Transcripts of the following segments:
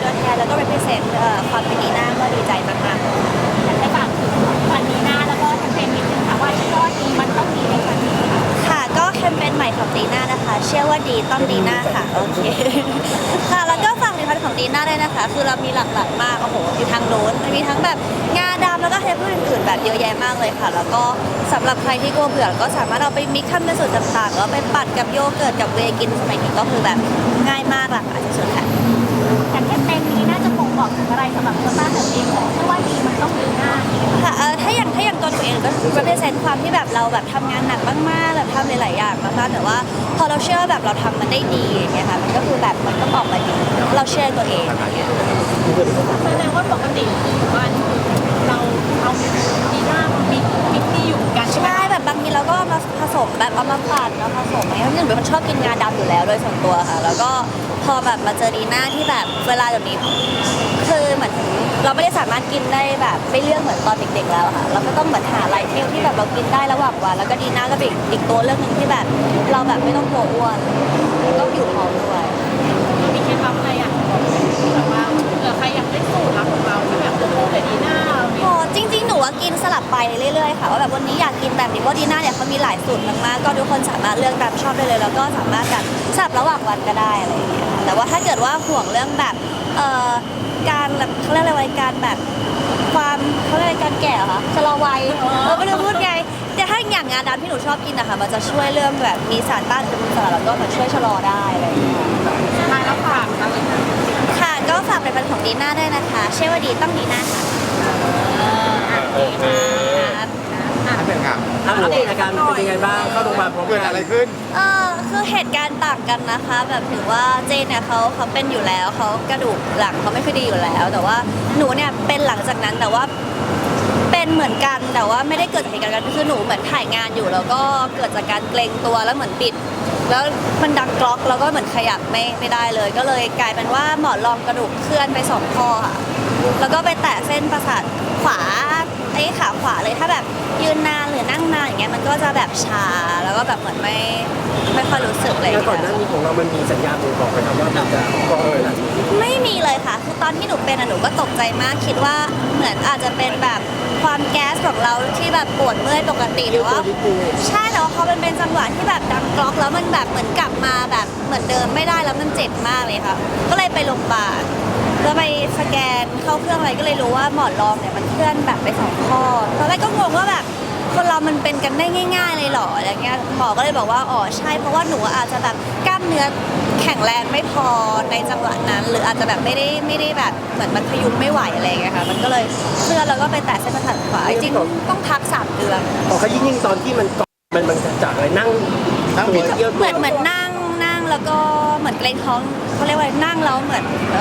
ตัวแทนแล้วก็ represent ความเป็นดีน่าก็ดีใจมากๆอยากให้ฝากถึงวันดีน่าแล้วก็แคมเปญนิดนึงค่ะว่าชื่อว่าดีมันต้องดีในครั้งนี้ค่ะก็แคมเปญใหม่ของดีน่านะคะเชื่อว่าดีต้องดีน่าค่ะโอเคค่ะแล้วก็ฝากผลิตภัณฑ์ของดีน่าด้วยนะคะคือเรามีหลากหลายมากโอ้โหมีทั้งโน้นมีทั้งแบบงาดำแล้วก็เทปอื่นๆแบบเยอะแยะมากเลยค่ะแล้วก็สำหรับใครที่กลัวเบื่อก็สามารถเอาไปมิกซ์ทำเป็นสูตรต่างๆแล้วไปปั่นกับโยเกิร์ตกับเวย์กินสมัยนี้ก็คือแบบง่ายมากหลากหลายสุดๆค่ะแต่แคมเปญนี้น่าจะบ่งบอกถึงอะไรสำหรับตัวต้าตัวเองของชื่อว่าดีมันต้องดีน่าค่ะถ้าอย่างตัวหนูเองก็ represent ความที่แบบเราแบบทำงานหนักมากๆแบบทำหลายๆอย่างมากๆแต่ว่าพอเราเชื่อแบบเราทำมันได้ดีอย่างเงี้ยค่ะมันก็คือแบบมันก็ออกมาดีเราเชื่อตัวเองอย่างเงี้ยแสดงว่าปกติวันเราเอาดีน่ามิกนี่อยู่กันใช่ไหมใช่แบบบางทีเราก็เอามาผสมแบบเอามาปั่นเอาผสมอะไรเพราะหนึ่งเป็นคนชอบกินงาดำอยู่แล้วโดยส่วนตัวค่ะแล้วก็พอแบบมาเจอดีน่าที่แบบเวลาแบบนี้คือเหมือนเราไม่ได้สามารถกินได้แบบไม่เลือกเหมือนตอนเด็กๆแล้วค่ะเราก็ต้องเหมือนหาไลฟ์เทลที่แบบเรากินได้ระหว่างวันแล้วก็ดีน่าก็เป็นอีกตัวเรื่องหนึ่งที่แบบเราแบบไม่ต้องกลัวอ้วนก็อยู่ท้องด้วยมีเคล็ดลับอะไรอ่ะแบบว่าเผื่อใครอยากได้สูตรลับของเราที่แบบโอ้โหแต่ดีน่าเราเนี่ยโอ้จริงๆหนูว่ากินสลับไปเรื่อยๆค่ะว่าแบบวันนี้อยากกินแบบนี้เพราะดีน่าเนี่ยเขามีหลายสูตรมากๆก็ทุกคนสามารถเลือกตามชอบได้เลยแล้วก็สามารถแบบสลับระหว่างวันก็ได้อะไรอย่างเงี้ยแต่ว่าถ้าเกิดว่าห่วงเรื่องแบบการแบบเขาเรียกอะไรวัยการแบบความเขาเรียกอะไรการแก่เหรอคะชะลอวัยไม่รู้พูดไงแต่ถ้าอย่างงาดำที่หนูชอบกินนะคะมันจะช่วยเรื่องแบบมีสารต้านอนุมูลอิสระแล้วก็มันช่วยชะลอได้อะไรอย่างเงี้ยท้ายแล้วฝากอะไรนะค่ะก็ฝากผลิตภัณฑ์ของดีน่าด้วยนะคะเชื่อว่าดีต้องดีน่าค่ะโอเคอันหนึ่งอ่ะอัปเดตอาการเป็นยังไงบ้างเข้าโรงพยาบาลพร้อมเกิดกัอะไรนขึ้นคือเหตุการณ์ต่างกันนะคะแบบถือว่าเจนเนี่ยเขาเป็นอยู่แล้วเขากระดูกหลังเขาไม่ค่อยดีอยู่แล้ว แต่ว่าหนูเนี่ยเป็นหลังจากนั้นแต่ว่าเป็นเหมือนกันแต่ว่าไม่ได้เกิดจากเหตุการณ์กันคือหนูเหมือนถ่ายงานอยู่แล้วก็เกิดจากการเกรงตัวแล้วเหมือนปิด แล้วมันดังกรอกแล้วก็เหมือนขยับไม่ได้เลย ก็เลยกลายเป็นว่าหมอนรองกระดูกเคลื่อนไป2 ข้อค่ะแล้วก็ไปแตะเส้นประสาทขวาขาขวาเลยถ้าแบบยืนนานหรือนั่งนานอย่างเงี้ยมันก็จะแบบชาแล้วก็แบบเหมือนไม่ค่อยรู้สึกเลยแล้วก่อนหน้านี้ของเรามันมีสัญญาณบ่งบอกไหมครับว่ามันจะก่อขนาดนี้ไม่มีเลยค่ะคือตอนที่หนูเป็นหนูก็ตกใจมากคิดว่าเหมือนอาจจะเป็นแบบความแก๊สของเราที่แบบปวดเมื่อยปกติหรือว่าใช่แต่ว่าพอมันเป็นจังหวะที่แบบดังกรอกแล้วมันแบบเหมือนกลับมาแบบเหมือนเดิมไม่ได้แล้วมันเจ็บมากเลยค่ะก็เลยไปโรงพยาบาลแล้วไปสแกนเข้าเครื่องอะไรก็เลยรู้ว่าหมอนรองเนี่ยมันเคลื่อนแบบไป2 ข้อตอนแรกก็งงว่าแบบคนเรามันเป็นกันได้ง่ายๆเลยเหรออะไรเงี้ยหมอก็เลยบอกว่าอ๋อใช่เพราะว่าหนูอาจจะแบบกล้ามเนื้อแข็งแรงไม่พอในจังหวะนั้น หรืออาจจะแบบไม่ได้แบบเหมือนมันพยุงไม่ไหวอะไรเงี้ยค่ะมันก็เลยเคลื่อนแล้วก็ไปแตะเส้นประสาทขวาจริงๆต้องพัก3 เดือนพอเขายิ่งตอนที่มันก่อนมันจากอะไรนั่งนั่งตัวเยี่ยวเหมือนนั่งแล้วก็เหมือนเกรงท้องเขาเรียกว่านั่งแล้วเหมือน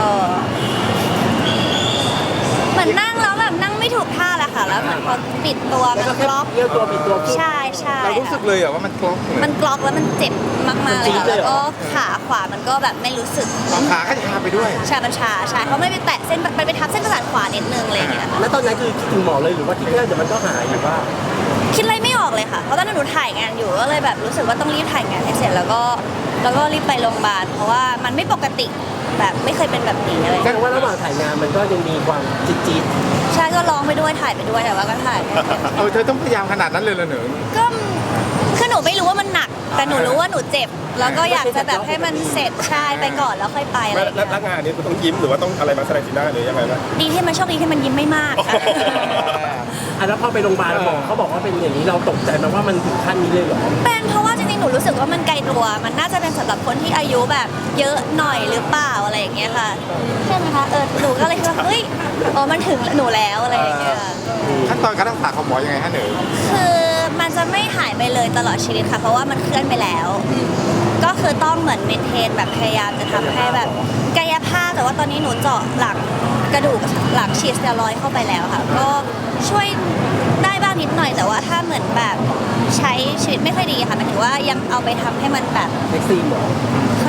เหมือนนั่งแล้วแบบนั่งไม่ถูกท่าแหละค่ะแล้วเหมือนพอปิดตัวแล้วมัก็นแค่กล็อกเยี่ยวตัวปิดตัวขึ้นใช่ใช่เรารู้สึกเลยเหรอว่ามันกลอกเลยมันกล็อกแล้วมันเจ็บมากๆเลยค่ะมันจี๊ดเลยแล้วเหรอก็ขาขวามันก็แบบไม่รู้สึกเอาขาก็ชาไปด้วยชาบัญชาใช่เพราะไม่ไปแตะเส้นไปทับเส้นประสาทขวานิดนึงอะไรอย่างเงี้ยค่ะแล้วตอนนั้นคือคิดถึงหมอเลยหรือว่าคิดแค่เดี๋ยวมันก็หายหรือว่าคิดอะไรไม่ออกเลยค่ะเพราะตอนนั้นหนูถ่ายงานอยู่ก็เลยแบบรู้สึกว่าต้องรีบถ่ายงานให้เสร็จแล้วก็รีบไปโรงพยาบาลเพราะว่ามันไม่ปกติแบบไม่เคยเป็นแบบนี้เลยแสดงว่าระหว่างถ่ายงานมันก็ยังมีความจี๊ดใช่ก็ร้องไปด้วยถ่ายไปด้วยแต่ว่าก็ถ่ายไม่เสร็จเธอต้องพยายามขนาดนั้นเลยเหรอหนูก็คือหนูไม่รู้ว่ามันหนัก แต่หนูรู้ว่าหนูเจ็บ แล้วก็อยากจะแบบให้มันเสร็จใช่ไปก่อนแล้วค่อยไปอะไรอย่างแล้เงี้วย งานนี้คุณต้องยิ้มหรือว่าต้องอะไรมาแสดงสีหน้าหรือยังไงบ้างดีที่มันโชคดีที่มันยิ้มไม่มากค่ะๆแล้วพอไปโรงพยาบาลหมอเขาบอกว่าเป็นอย่างนี้เราตกใจไหมว่ามันถึงขั้นนี้เลยเหรอเป็นเพราะว่าจริงๆ หนูรู้สึกว่ามันไกลตัว มันน่าจะเป็นสำหรับคนที่อายุแบบเยอะหน่อยหรือเปล่าอะไรอย่างเงี้ยค่ะ ใช่ไหมคะ หนูก็เลยคิดว่าเฮ้ยอ๋อมันถึงหนูแล้วอะไรอย่างเงี้ยขั้นตอนการรักษาของหมอยังไงฮะหนูคือมันจะไม่หายไปเลยตลอดชีวิตค่ะ เพราะว่ามันเคลื่อนไปแล้ว ก็คือต้องเหมือนเมนเทนแบบพยายามจะทำให้แบบกายภาพแต่ว่าตอนนี้หนูเจาะหลังกระดูกหลังฉีดสเตียรอยด์เข้าไปแล้วค่ะ ก็ช่วยได้บ้างนิดหน่อยแต่ว่าถ้าเหมือนแบบใช้ชีวิตไม่ค่อยดีค่ะหมายถึงว่ายังเอาไปทำให้มันแบบเซ็กซี่หมอเขา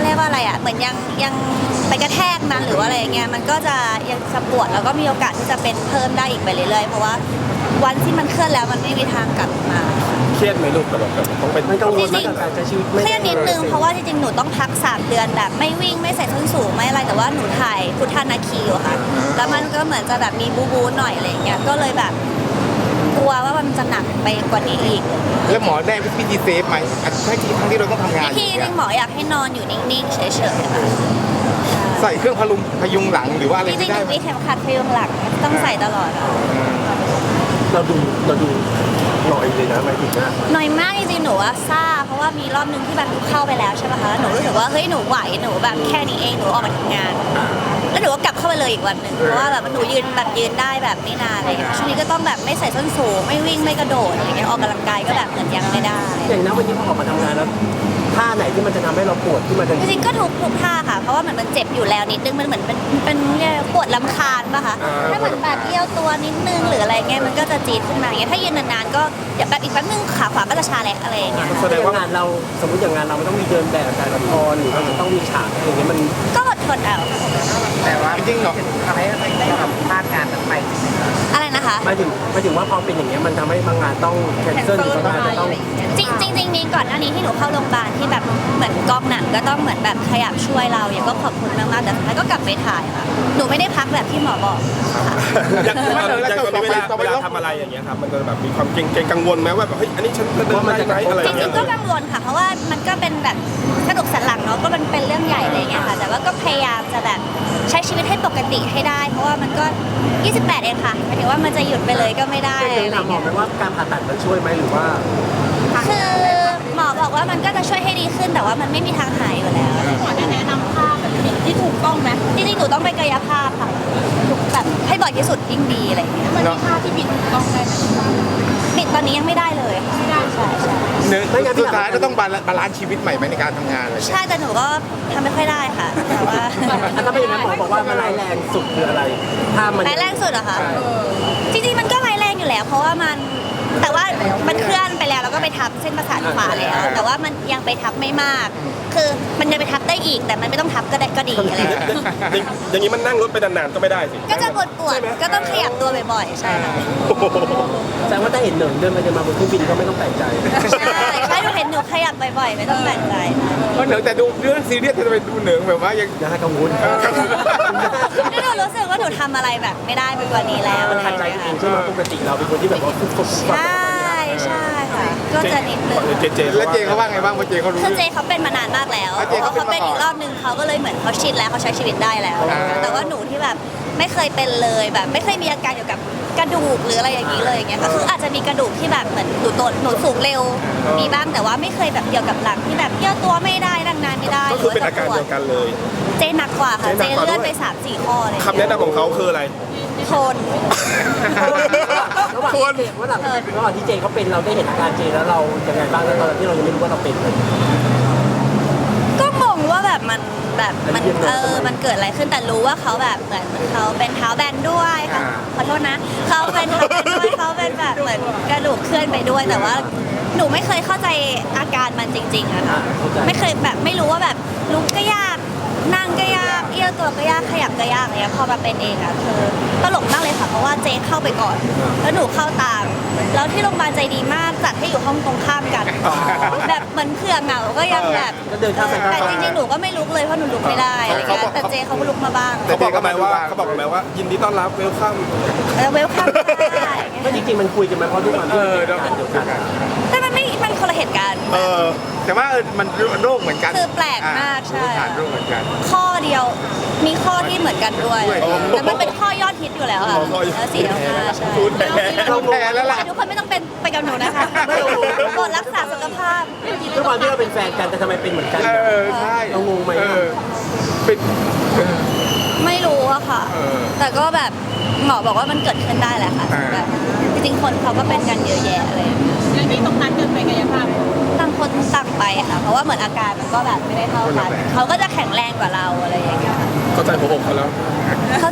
เรียกว่าอะไรอ่ะเหมือนยังไปกระแทกมันหรือว่าอะไรอย่างเงี้ยมันก็จะยังจะปวดแล้วก็มีโอกาสที่จะเป็นเพิ่มได้อีกไปเรื่อยๆเพราะว่าวันที่มันเคลื่อนแล้วมันไม่มีทางกลับมาเครียดไหมลูกแต่แบบต้องเป็นมันกังวลไหมกับการใช้ชีวิตเครียดนิดนึงเพราะว่าจริงๆหนูต้องพัก3 เดือนแบบไม่วิ่งไม่ใส่ส้นสูงไม่อะไรแต่ว่าหนูถ่ายพุทธานาคีอยู่ค่ะแล้วมันก็เหมือนจะแบบมีบูหน่อยอะไรอย่างเงี้ยก็เลยแบบกลัวว่ามันจะหนักไปกว่านี้อีกแล้วหมอได้วิธีเซฟไหมใช่ทั้งที่เราต้องทำงานที่จริงหมออยากให้นอนอยู่นิ่งๆเฉยๆค่ะใส่เครื่องพยุงหลังหรือว่าอะไรจริงๆหได้นูไหมมีเข็มขัดพยุงหลังต้องใส่ตลอดอะเราดูหน่อยเลยนะหมายถึงนะหน่อยมากจริงๆหนูว่าซ่าเพราะว่ามีรอบนึงที่แบบหนูเข้าไปแล้วใช่ป่ะคะแล้วหนูรู้สึกว่าเฮ้ยหนูไหวหนูแบบแค่นี้เองหนูออกมาทำงาน แล้วหนูก็กลับเข้าไปเลยอีกวันหนึ่งเพราะว่าแบบหนูยืนได้แบบไม่นานอะไรอย่างเงี้ยช่วงนี้ก็ต้องแบบไม่ใส่ส้นสูงไม่วิ่งไม่กระโดดอะไรอย่างเงี้ยออกกำลังกายก็แบบเหมือนยังไม่ได้อย่างนั้นวันนี้พอออกมาทำงานแล้วท่าไหนที่มันจะทำให้เราปวดที่มันจะจริงๆก็ทุกท่าค่ะเพราะว่าเหมือนมันเจ็บอยู่แล้วนิดนึงมันเหมือนเป็นปวดลำคาญป่ะคะถ้าเหมือนแบบเอี้ยวตัวนิดนึงหรืออะไรเงี้ยมันก็จะจี๊ดขึ้นมาอย่างเงี้ยถ้ายืนนานๆก็เดี๋ยวแบบอีกแป๊บนึงขาขวาก็จะชาแหละอะไรอย่างเงี้ยแสดงว่างานเราสมมติอย่างงานเรามันต้องมีเดินแบบการละครหรือว่ามันต้องมีฉากอะไรอย่างเงี้ยมันก็อดทนเอาแต่ว่าจริงๆเหรอทำให้เราพลาดงานนั้นไปอะไรนะคะหมายถึงว่าพอเป็นอย่างเงี้ยมันทำให้บางงานต้องแคนเซิลหรือบางงานจะต้องจริงๆมีก่อนหน้านี้ที่หนูเข้าโรงพยาบาลที่แบบเหมือนกองหนังก็ต้องเหมือนแบบขยับช่วยเราอย่างก็ขอบคุณมากๆแต่สุดท้ายก็กลับไปถ่ายค่ะหนูไม่ได้พักแบบที่หมอบอกค่ะอย่างตอนนี้เวลาทำอะไรอย่างเงี้ยครับมันจะแบบมีความเกรงกังวลไหมว่าแบบเฮ้ยอันนี้ฉันจะเดินได้ไหมอะไรอจย่างริเงี้งยๆก็กังวลค่ะ เพราะว่ามันก็เป็นแบบกระดูกสันหลังเนาะก็มันเป็นเรื่องใหญ่อะไรเงี้ยค่ะ แต่ว่าก็พยายามจะแบบใช้ชีวิตให้ปกติให้ได้ เพราะว่ามันก็ 28 เองค่ะหมายถึงว่ามันจะหยุดไปเลยก็ไม่ได้เคอะไรยถามหมอเงี้ยไหมว่าการผ่าตัดมันช่วยไหมหรือว่าคือหมอบอกว่ามันก็จะช่วยให้ดีขึ้นแต่ว่ามันไม่มีทางหายอยู่แล้วหมอจะแนะนำท่าแบบที่ถูกต้องไหมจริงๆหนูต้องไปกายภาพค่ะแบบให้บ่อยที่สุดยิ่งดีอะไรเงี้ยมันมีท่าที่บิดถูกต้องได้ไหมบิดตอนนี้ยังไม่ได้เลยค่ะใช่ใช่เนื้อสุดท้ายก็ต้องบาลานซ์ชีวิตใหม่ไหมในการทำงานอะไรอย่างเงี้ยใช่แต่หนูก็ทำไม่ค่อยได้ค่ะแต่ว่าอันนั้นเป็นอย่างนั้นหมอบอกว่ามันร้ายแรงสุดคืออะไร ถ้ามันร้ายแรงสุดเหรอคะจริงๆมันก็ร้ายแรงอยู่แล้ว เพราะว่ามันแต่ว่ามันเคลื่อนไปแล้วแล้วก็ไปทับเส้นประสาทขวาแล้ว แต่ว่ามันยังไปทับไม่มาก คือมันจะไปทับได้อีก แต่มันไม่ต้องทับก็ได้ก็ดีอะไรอย่างเงี้ยอย่างนี้มันนั่งรถไปนานๆก็ไม่ได้สิก็จะปวดๆก็ต้องขยับตัวบ่อยๆใช่ค่ะแสดงว่าถ้าเห็นเหนิงเดินไปเดินมาบนเครื่องบินก็ไม่ต้องแปลกใจใช่หนูเห็นหนูขยับบ่อยๆไม่ต้องแปลกใจค่ะเพราะเหนือแต่ดูเรื่องซีเรียสจะไปดูเหนือแบบว่ายังอย่าให้กังวลนี่หนูรู้สึกว่าหนูทำอะไรแบบไม่ได้ไปกว่านี้แล้วมันทันใจตัวเองใช่ไหมปกติเราเป็นคนที่แบบว่าฟุบๆใช่ใช่ค่ะก็จะนิดนึงเจแล้วเจเขาว่าไงบ้างเพราะเจเขารู้คือเจเขาเป็นมานานมากแล้วอ่ะเจเขาเป็นเขาเป็นอีกรอบนึงเขาก็เลยเหมือนเขาชินแล้วเขาใช้ชีวิตได้แล้ว แต่ว่าหนูที่แบบไม่เคยเป็นเลยแบบไม่เคยมีอาการเกี่ยวกับกระดูกหรืออะไรอย่างนี้เลยอย่างเงี้ยค่ะคืออาจจะมีกระดูกที่แบบเหมือนหนูสูงเร็วมีบ้างแต่ว่าไม่เคยแบบเกี่ยวกับหลังที่แบบเยี่ยวตัวไม่ได้นั่งนานไม่ได้ก็คือเป็นอาการเดียวกันเลยเจหนักกว่าค่ะเจเจหนักกว่าเลื่อนด้วยไป3-4 ข้อเลยคำแนะนำของเขาคืออะไรทนระหว่างที่เจระหว่างที่เจเขาเป็นเราได้เห็นอาการเจแล้วเรายังไงบ้างแล้วตอนที่เรายังไม่รู้ว่าเราเป็นเลยก็งงว่าแบบมันมันเกิดอะไรขึ้นแต่รู้ว่าเขาแบบเหมือนเขาเป็นเท้าแบนด้วยค่ะขอโทษนะเขาเป็นเท้าแบนด้วยเขาเป็นแบบเหมือนกระดูกเคลื่อนไปด้วยแต่ว่าหนูไม่เคยเข้าใจอาการมันจริงๆอะค่ะไม่เคยแบบไม่รู้ว่าแบบลุกก็ยากนั่งก็ยากเอี้ยวตัวก็ยากขยับก็ยากอะไรเงี้ยพอมาเป็นเองอะคือตลกมากเลยค่ะเพราะว่าเจเข้าไปก่อนแล้วหนูเข้าตามแล้วที่โรงพยาบาลใจดีมากจัดให้อยู่ห้องตรงข้ามกันแบบเหมือนเผื่อเหงาก็ยังแบบก็เดินข้ามไปข้ามแต่มาจริงๆ หนูก็ไม่ลุกเลยเพราะหนูลุกไม่ได้อะไรเงี้ยแต่เจเขาก็ลุกมาบ้างเขาบอกกันไหมว่ายินดีต้อนรับเวลคัมเวลคัมได้ก็จริงๆมันคุยกันไหมเพราะด้วยความที่เป็นการเดียวกันแต่มันคนละเหตุการณ์แต่ว่ามันโรคเหมือนกันคือแปลกมากใช่ผ่านโรคเหมือนกันข้อเดียวมีข้อที่เหมือนกันด้วย แต่มันเป็นข้อยอดฮิตอยู่แล้วค่ะ4 แล้ว5ใช่พูดแทนเราแพ้แล้วล่ะทุกคนไม่ต้องเป็นไปกับหนูนะคะกดรักษาสุขภาพด้วยความที่เราเป็นแฟนกันแต่ทำไมเป็นเหมือนกันใช่เรางงไหมเป็นไม่รู้อะค่ะ แต่ก็แบบหมอบอกว่ามันเกิดขึ้นได้แหละค่ะแบบจริงๆ คนเขาก็เป็นกันเยอะแยะอะไรอย่างเงี้ยอย่างนี้ต้องนัดกันไปกายภาพต่างคนต่างไปค่ะ เพราะว่าเหมือนอาการมันก็แบบไม่ได้เท่ากันเขาก็จะแข็งแรงกว่าเราอะไรอย่างเงี้ยค่ะเข้าใจหัวอกเขาแล้วเข้าใจเล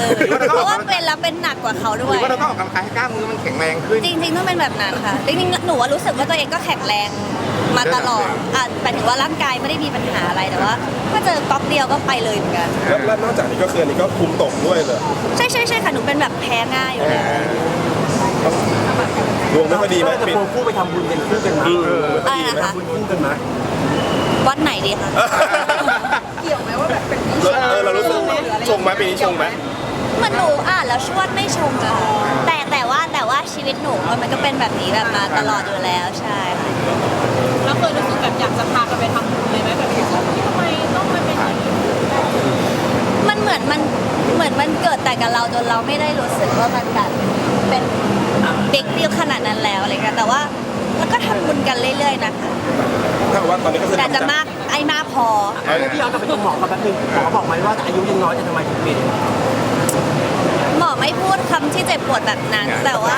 เพราะว่าเป็นแล้วเป็นหนักกว่าเขาหด้รืวยอว่าเราต้องออกกำลังกายให้กล้ามมือมันแข็งแรงขึ้นจริงๆต้องเป็นแบบนั้นค่ะจริงๆหนูว่ารู้สึกว่าตัวเองก็แข็งแรงมาตลอดหมายถึงว่าร่างกายไม่ได้มีปัญหาอะไรแต่ว่าถ้าเจอก๊อกเดียวก็ไปเลยเหมือนกันแล้วนอกจากนี้ก็คืออันนี้ก็ภูมิตกด้วยเลยใช่ค่ะหนูเป็นแบบแพ้ง่ายอยู่แล้วดวงไม่ค่อยดีไหมจะปิดโพคู่ไปทำบุญกันคู่กันมั้ยอะไรนะคะทำบุญคู่กันมั้ยวัดไหนดีคะเกี่ยวไหมว่าแบบเป็นเรารู้สึกชงไหมปีนี้ชงไหมเหมันหนูแล้วชวดไม่ชงอะค่ะแต่ว่าชีวิตหนูมันก็เป็นแบบนี้แบบมาตลอดอยู่แล้วใช่ค่ะเราเคยรู้สึกแบบอยากจะพากันไปทำบุญเลยไหมแบบทำไมต้องมาเป็นอย่างนี้มันเหมือนมันเกิดแต่กับเราจนเราไม่ได้รู้สึกว่ามันแบบเป็นบิ๊กดีลขนาดนั้นแล้วอะไรเงี้ยแต่ว่าแล้วก็ทำบุญกันเรื่อยๆนะคะถ้าว่าตอนนี้ก็คือแต่จะมากมากพอพี่ย้อนกลับไปตรงหมอกับแป๊บนึงหมอบอกไหมว่าอายุยังน้อยจะทำไมถึงเป็นหมอไม่พูดคำที่เจ็บปวดแบบนั้น แต่ว่า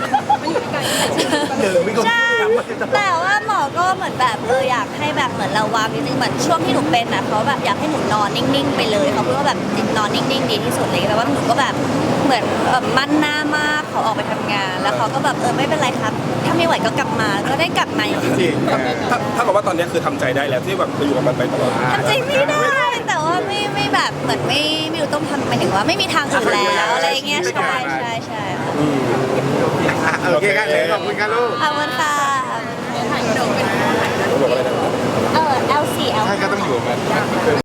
ใช่แต่ว่าหมอก็เหมือนแบบอยากให้แบบเหมือนระวังนิดนึงเหมือนช่วงที่หนูเป็นเขาแบบอยากให้หนูนอนนิ่งๆไปเลยเขาพูดว่าแบบนอนนิ่งๆดีที่สุดเลยแต่ว่าหนูก็แบบเหมือนมั่นหน้ามากเขาออกไปทำงาน แล้วเขาก็แบบไม่เป็นไรครับ ถ้าไม่ไหวก็กลับมาก็ได้กลับมาจริงถ้ากับว่าตอนนี้คือทำใจได้แล้วที่แบบจะอยู่กับมันไปตลอดๆทำใจไม่ได้แต่ว่าไม่แบบเหมือนไม่รู้ต้องทำหมายถึงว่าไม่มีทางอื่นแล้วอะไรอย่างเงี้ยใช่ค่ะโอเคครับเลยขอบคุณครับลูกขอบคุณค่ะถ่ายวิดีโอเป็นเขาบอกอะไรนะ L4 ใช่ก็ต้องอยู่มัน